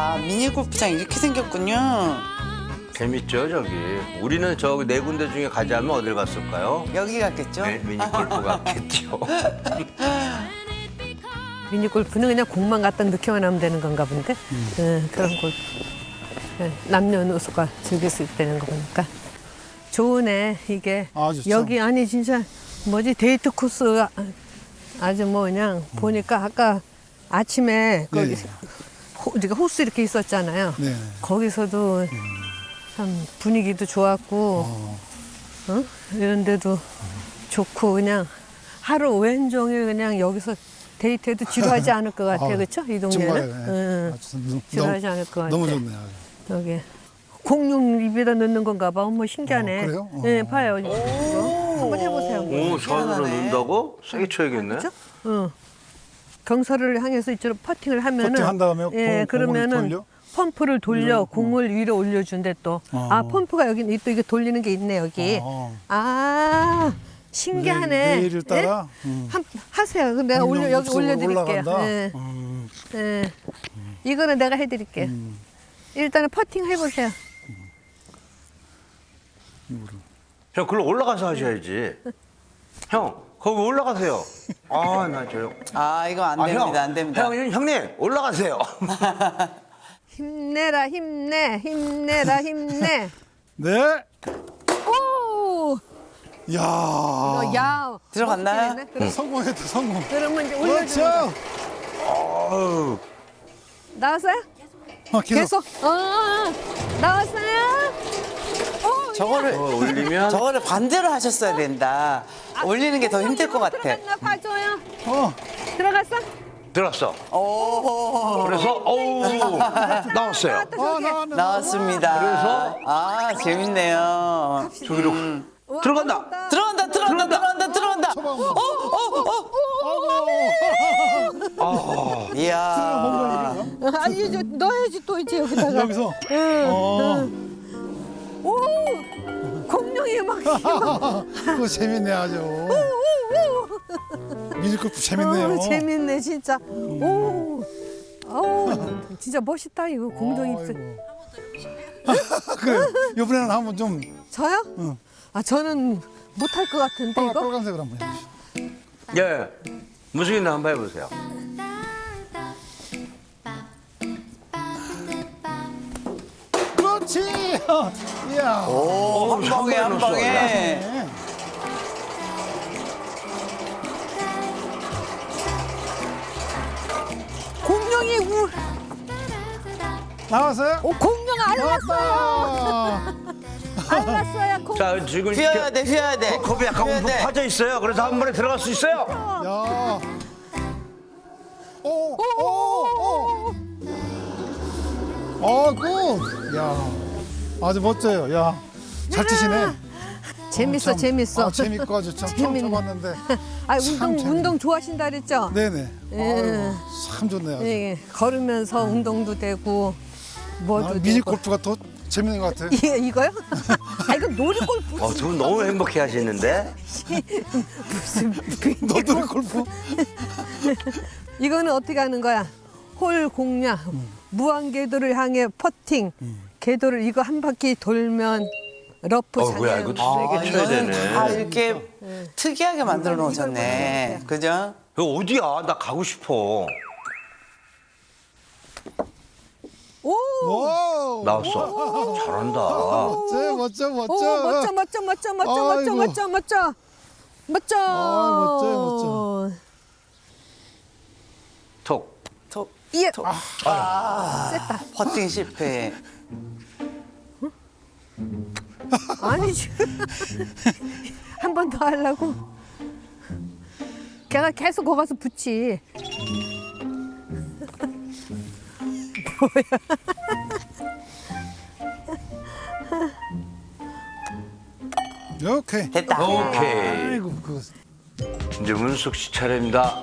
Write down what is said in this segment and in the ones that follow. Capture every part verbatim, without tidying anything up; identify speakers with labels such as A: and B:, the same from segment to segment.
A: 아, 미니 골프장 이렇게 생겼군요.
B: 재밌죠, 저기. 우리는 저기 네 군데 중에 가자면 어딜 갔을까요?
A: 여기 갔겠죠?
B: 네, 미니 골프 갔겠죠.
C: 미니 골프는 그냥 공만 갖다 넣기만 하면 되는 건가 본데.
D: 음.
C: 네, 그런 골프. 네, 남녀노소가 즐길 수 있다는 거 보니까 좋으네 이게.
D: 아, 좋죠.
C: 여기 아니 진짜 뭐지 데이트 코스 아- 아주 뭐 그냥 보니까 아까 아침에 거기
D: 네.
C: 호, 우리가 호수 이렇게 있었잖아요.
D: 네.
C: 거기서도 참 분위기도 좋았고
D: 어.
C: 어? 이런 데도 좋고 그냥 하루 왼종일 그냥 여기서 데이트해도 지루하지 않을 것 같아.
D: 아,
C: 그렇죠? 이
D: 정말요.
C: 동네는.
D: 네.
C: 응.
D: 아, 진짜 너무-
C: 지루하지 않을 것 같아.
D: 너무 좋네요.
C: 여기 공룡 입에다 넣는 건가 봐. 어머 신기하네.
D: 어, 그래요? 어.
C: 네, 봐요. 이거. 한번 해보세요.
B: 오, 저들은
A: 희한하네.
B: 넣는다고? 세게 쳐야겠네.
C: 그렇죠? 응. 경사를 향해서 이쪽으로 퍼팅을 하면은
D: 퍼팅한 다음에
C: 예,
D: 공- 공을
C: 그러면은
D: 돌려?
C: 펌프를 돌려 공을 위로 올려준대 또.
D: 어.
C: 아 펌프가 여기 또 이게 돌리는 게 있네 여기.
D: 어.
C: 아 신기하네.
D: 내- 내일을 따라?
C: 예?
D: 음.
C: 한, 하세요. 그럼 내가 올려 여기
D: 공룡 숲속으로
C: 올려드릴게요.
D: 올라간다?
C: 예.
D: 음.
C: 예. 이거는 내가 해드릴게요.
D: 음.
C: 일단은 퍼팅 해보세요.
B: 형, 글로 올라가서 하셔야지. 형, 거기 올라가세요. 아, 나 저요.
A: 아, 이거 안
B: 아,
A: 됩니다.
B: 형,
A: 안 됩니다.
B: 형, 형님, 올라가세요.
C: 힘내라 힘내 힘내라 힘내.
D: 네.
C: 오.
D: 야.
C: 어, 야.
A: 들어갔나요?
C: 멋지게 했네. 그럼,
D: 성공했다, 성공.
C: 그러면 이제 올려주는
D: 그렇죠.
B: 어우,
C: 나왔어요?
D: 어, 계속.
C: 계속. 어. 나왔어요? 오.
A: 저거를
B: 어, 올리면.
A: 저거를 반대로 하셨어야 된다. 올리는 게 더 힘들 것 같아.
C: 들어갔나 봐줘요.
D: 어.
C: 들어갔어?
B: 들었어.
A: 오,
B: 그래서, 어우, 나왔어요.
C: 나왔다,
D: 아,
C: 저기.
D: 나왔네.
A: 나왔습니다.
B: 그래서?
A: 아, 재밌네요.
B: 저기로
C: 우와,
B: 들어간다.
C: 멋있다.
A: 들어온다, 들어온다, 들어온다, 들어온다.
D: 쳐봐.
A: 어, 어, 어.
D: 아이고.
A: 이야.
C: 아니 이제 넣어야지 또 이제 여기다가.
D: 여기서.
C: 응.
D: 어.
C: 오. 공룡이 막.
D: 그거 재밌네, 아주. 미니골프 재밌네요.
C: 어, 재밌네 진짜. 오. 어 진짜 멋있다 이거 공룡 입술.
D: 아이고. 그래, 이번에는 한번 좀
C: 저요?
D: 응.
C: 아 저는 못할 것 같은데
D: 빨-
C: 이거.
D: 빨간색으로 한번 해주시죠.
B: 예. 무슨 있나 한번 해보세요.
D: 그렇지. 이야.
A: 오, 한
B: 한
A: 방에, 한
B: 방에
A: 방에.
D: 네.
C: 공룡이 우.
D: 나왔어요?
C: 오 공룡 알랐어요.
D: 나왔다.
C: 알랐어요. 공.
B: 자, 지금
A: 휘어야 돼, 휘어야 돼.
B: 겁이 약간
A: 휘어야
B: 움푹
A: 돼.
B: 파져 있어요. 그래서 한 번에 들어갈 수 있어요.
D: 야. 오, 오, 오. 어, 굿. 야. 아주 멋져요. 야. 잘 치시네.
C: 재밌어
D: 참,
C: 재밌어.
D: 아, 재밌고 아주 참 처음
C: 재밌네.
D: 쳐봤는데.
C: 아
D: 참
C: 운동
D: 재밌네.
C: 운동 좋아하신다 그랬죠?
D: 네네.
C: 예.
D: 아유, 참 좋네요. 아주.
C: 예, 걸으면서 운동도 되고 뭐도
D: 아,
C: 되고.
D: 미니 골프가 더 재밌는 것 같아요.
C: 이 이거요? 아 이거 놀이 골프.
B: 어, 두 분 너무 행복해 하시는데?
C: 무슨
D: 너도 골프?
C: 이거는 어떻게 하는 거야? 홀 공략, 무한 궤도를 향해 퍼팅. 궤도를 이거 한 바퀴 돌면 러프
B: 어,
C: 장애.
B: 뭐야, 이거
A: 아,
B: 세게 쳐야
A: 이거는
B: 되네.
A: 다 이렇게 특이하게 만들어 놓으셨네. 그죠?
B: 이거 어디야? 나 가고 싶어.
C: 오!
D: 오.
B: 나왔어. 잘한다.
D: 멋져, 멋져, 멋져.
C: 오, 멋져, 멋져, 멋져, 멋져, 멋져,
D: 아이고.
C: 멋져, 멋져, 멋져.
D: 아, 멋져요,
B: 톡.
A: 톡,
C: 예.
A: 톡.
C: 아, 셌다.
A: 퍼팅 실패.
C: 아니지. 한 번 더 하려고. 걔가 계속 거기 가서 붙지.
D: 오케이.
A: 됐다.
B: 오케이.
D: 아이고, 그,
B: 이제 문숙 씨 차례입니다.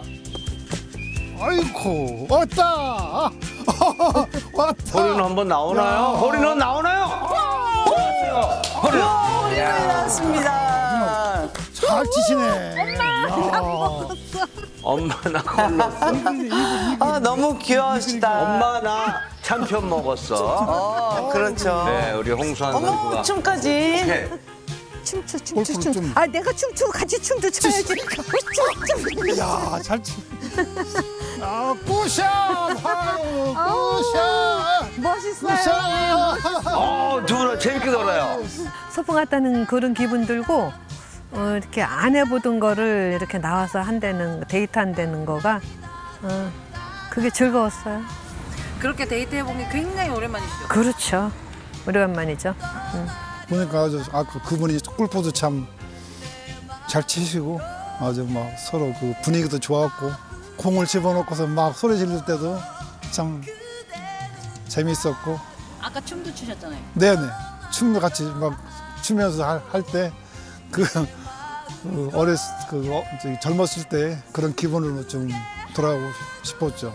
D: 아이고, 왔다. 아, 왔다.
B: 허리는 한번 나오나요? 허리는 나오나요? 나왔어요. 허리.
A: 우리 나왔습니다.
D: 잘 치시네. 엄마,
C: 나 먹었어.
B: 엄마 나 골랐어.
A: 아, 너무 귀여우시다.
B: 엄마 나 참편 먹었어.
A: 어, 그렇죠.
B: 네, 우리 홍수환
A: 어머,
B: 선수가.
A: 춤까지.
B: 네.
C: 춤춰 춤춰
D: 골프를
C: 춤.
D: 좀-
C: 아 내가 춤추고 같이 춤도 춰야지. 춤.
D: 야, 잘 치. 아, 꾸샷! 아유, 꾸샷!
C: 멋있어요.
D: 꾸샷!
B: 어, 두 분 재밌게 놀아요.
C: 소풍 갔다는 그런 기분 들고 어, 이렇게 안 해보던 거를 이렇게 나와서 한다는 데이트 한다는 거가 어, 그게 즐거웠어요.
E: 그렇게 데이트해본 게 굉장히 오랜만이시죠?
C: 그렇죠. 오래간만이죠.
D: 보니까 아주 아까 그분이 골프도 참 잘 치시고 아주 막 서로 그 분위기도 좋았고 공을 집어넣고서 막 소리 지를 때도 참 재밌었고
E: 아까 춤도 추셨잖아요.
D: 네네 춤도 같이 막 추면서 할 때 그 그 어렸 그 어, 저기 젊었을 때 그런 기분으로 좀 돌아가고 싶었죠.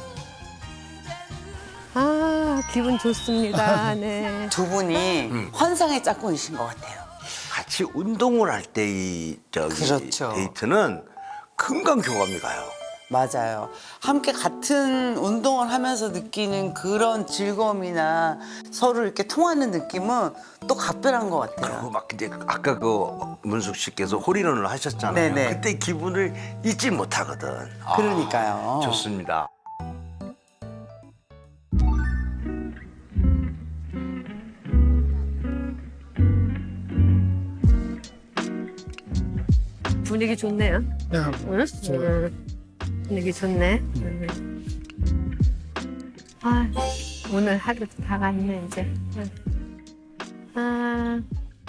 C: 아 기분 좋습니다. 네.
A: 두 분이 환상의 짝꿍이신 것 같아요.
B: 같이 운동을 할 때 이 저기
A: 그렇죠.
B: 데이트는 금방 교감이 가요.
A: 맞아요. 함께 같은 운동을 하면서 느끼는 그런 즐거움이나 서로 이렇게 통하는 느낌은 또 각별한 것 같아요.
B: 그리고 막 근데 아까 그 문숙 씨께서 홀인원을 하셨잖아요.
A: 네네.
B: 그때 기분을 잊지 못하거든. 아,
A: 그러니까요.
B: 좋습니다.
C: 분위기 좋네요.
D: 네,
C: 응?
D: 저-
C: 응. 분위기 좋네. 응. 아 오늘 하루 다 갔네 이제. 응. 아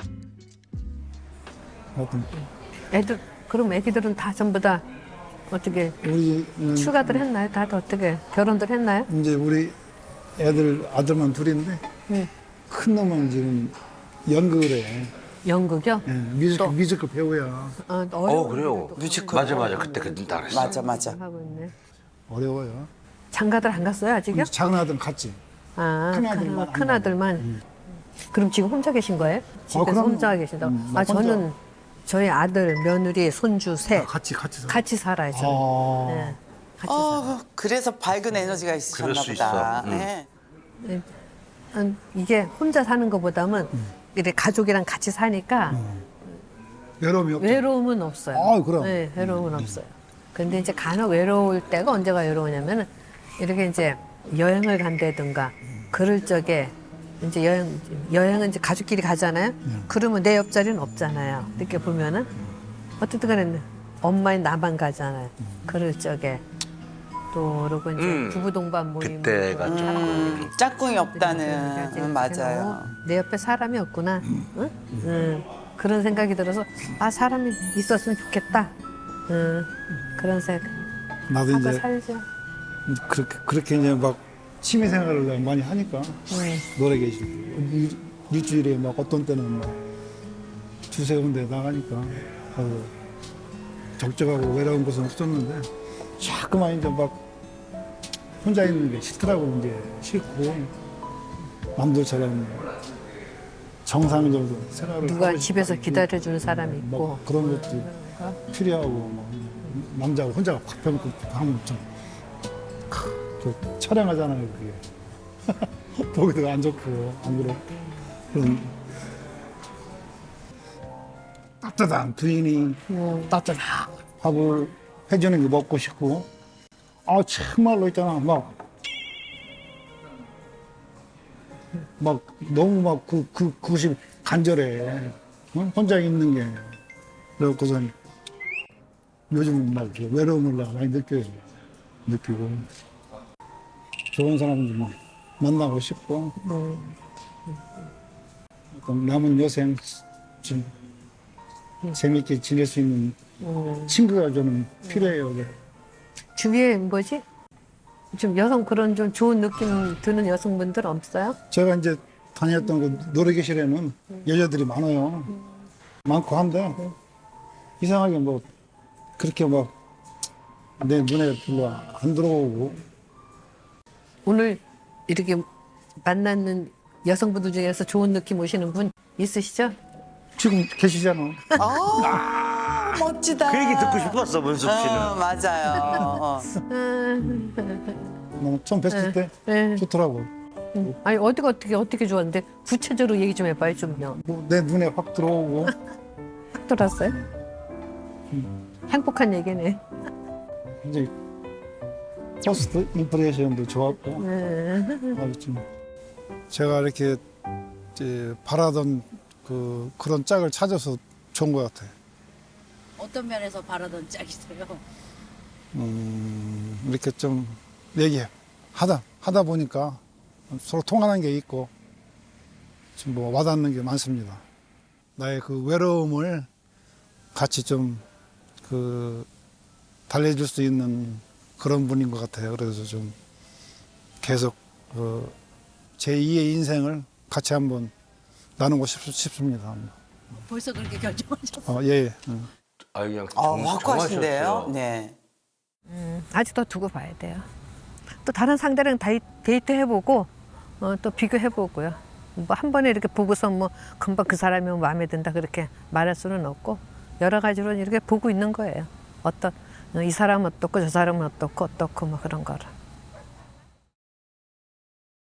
D: 하여튼
C: 애들 그럼 애기들은 다 전부 다 어떻게
D: 우리는
C: 추가들 했나요? 다들 어떻게 결혼들 했나요?
D: 이제 우리 애들 아들만 둘인데
C: 응.
D: 큰 놈은 지금 연극을 해.
C: 연극이요?
D: 예, 뮤지컬, 뮤지컬 배우야.
C: 어,
B: 어 그래요.
A: 뮤지컬.
B: 맞아 맞아 그때 그때 알았어.
A: 맞아, 맞아.
C: 하고 있네.
D: 어려워요.
C: 장가들 안 갔어요 아직요?
D: 작은 아들은 같지.
C: 아,
D: 큰 아들만 안
C: 큰 아들만. 그럼 지금 혼자 계신 거예요? 집에서
D: 그럼요.
C: 혼자 계신다.
D: 음,
C: 아
D: 혼자.
C: 저는 저희 아들, 며느리, 손주 셋
D: 같이 같이 살아.
C: 같이 살아요. 저는.
D: 아,
C: 네, 같이 살아요.
A: 어, 그래서 밝은 에너지가 있으셨나
B: 그럴 수
A: 보다.
B: 있어. 음.
A: 네.
C: 음, 이게 혼자 사는 것보다는 이렇게 가족이랑 같이 사니까
D: 외로움이 없죠.
C: 외로움은 없어요.
D: 아, 그럼.
C: 네, 외로움은 없어요. 근데 이제 간혹 외로울 때가 언제가 외로우냐면은 이렇게 이제 여행을 간다든가 그럴 적에 이제 여행 여행은 이제 가족끼리 가잖아요. 그러면 내 옆자리는 없잖아요. 이렇게 보면은 어쨌든 간에 엄마의 나만 가잖아요. 그럴 적에 또 그러고 이제
B: 음.
C: 부부 동반 모임
B: 그때가 좀
A: 음, 짝꿍이 없다는. 음, 맞아요.
C: 내 옆에 사람이 없구나. 응? 응. 그런 생각이 들어서 아 사람이 있었으면 좋겠다. 응. 그런 생각
D: 나도
C: 하고
D: 이제
C: 살죠.
D: 그렇게 그렇게 이제 막 취미 생활을 많이 하니까
C: 네.
D: 노래 계시고 일- 일주일에 막 어떤 때는 막 두세 군데 나가니까 하고 적적하고 외로운 곳은 없었는데 자꾸만 이제 막 혼자 있는 게 싫더라고. 이제 싫고 남들처럼 정상적으로 생활을
C: 누가
D: 하고
C: 집에서
D: 싶다.
C: 기다려주는 사람이 있고
D: 막 그런 것도 필요하고 막 남자가 혼자 확 펴놓고 하면 좀 크, 저 촬영하잖아요 그게 보기도 안 좋고 안 그래 그런 따뜻한 부인이 따뜻한 밥을 해주는 게 먹고 싶고 아 정말로 있잖아 막 막 너무 막 그 그 그것이 간절해 어? 혼자 있는 게 그래갖고선 요즘 막 이렇게 외로움을 내가 많이 느껴요 느끼고 좋은 사람들 막 만나고 싶고 어떤 남은 여생 좀 재밌게 지낼 수 있는 친구가 저는 필요해요.
C: 주위에 뭐지? 좀 여성 그런 좀 좋은 느낌 드는 여성분들 없어요?
D: 제가 이제 다녔던 그 노래교실에는 여자들이 많아요. 많고 한데 이상하게 뭐 그렇게 막 내 눈에 별로 안 들어오고
C: 오늘 이렇게 만나는 여성분들 중에서 좋은 느낌 오시는 분 있으시죠?
D: 지금 계시잖아.
A: 아, 멋지다.
B: 그 얘기 듣고 싶었어, 문숙 씨는.
A: 어, 맞아요. 어.
D: 너무 처음 뵀을 때
C: 네.
D: 좋더라고.
C: 아니 어디가 어떻게 어떻게 좋았는데 구체적으로 얘기 좀 해봐요 좀요.
D: 뭐 내 눈에 확 들어오고
C: 확 돌았어요? 행복한 얘기네.
D: 이제 퍼스트 임프레션도 좋았고
C: 네.
D: 아주 좀 제가 이렇게 이제 바라던 그 그런 짝을 찾아서 좋은 것 같아요.
E: 어떤 면에서 바라던 짝이세요?
D: 음, 이렇게 좀 얘기 하다 하다 보니까 서로 통하는 게 있고 좀 뭐 와닿는 게 많습니다. 나의 그 외로움을 같이 좀 그 달래줄 수 있는 그런 분인 것 같아요. 그래서 좀 계속 그 제이의 인생을 같이 한번 나누고 싶, 싶습니다.
E: 벌써 그렇게 결정하셨어요?
D: 어, 예, 예. 응.
B: 아, 그냥
A: 아,
B: 정-
A: 확고하신데요.
B: 정하셨어요.
A: 네.
C: 아직 더 두고 봐야 돼요. 또 다른 상대랑 다이, 데이트 해보고 어, 또 비교해보고요. 뭐 한 번에 이렇게 보고서 뭐 금방 그 사람이 마음에 든다 그렇게 말할 수는 없고 여러 가지로 이렇게 보고 있는 거예요. 어떤 이 사람은 어떻고 저 사람은 어떻고 어떻고 뭐 그런 거를.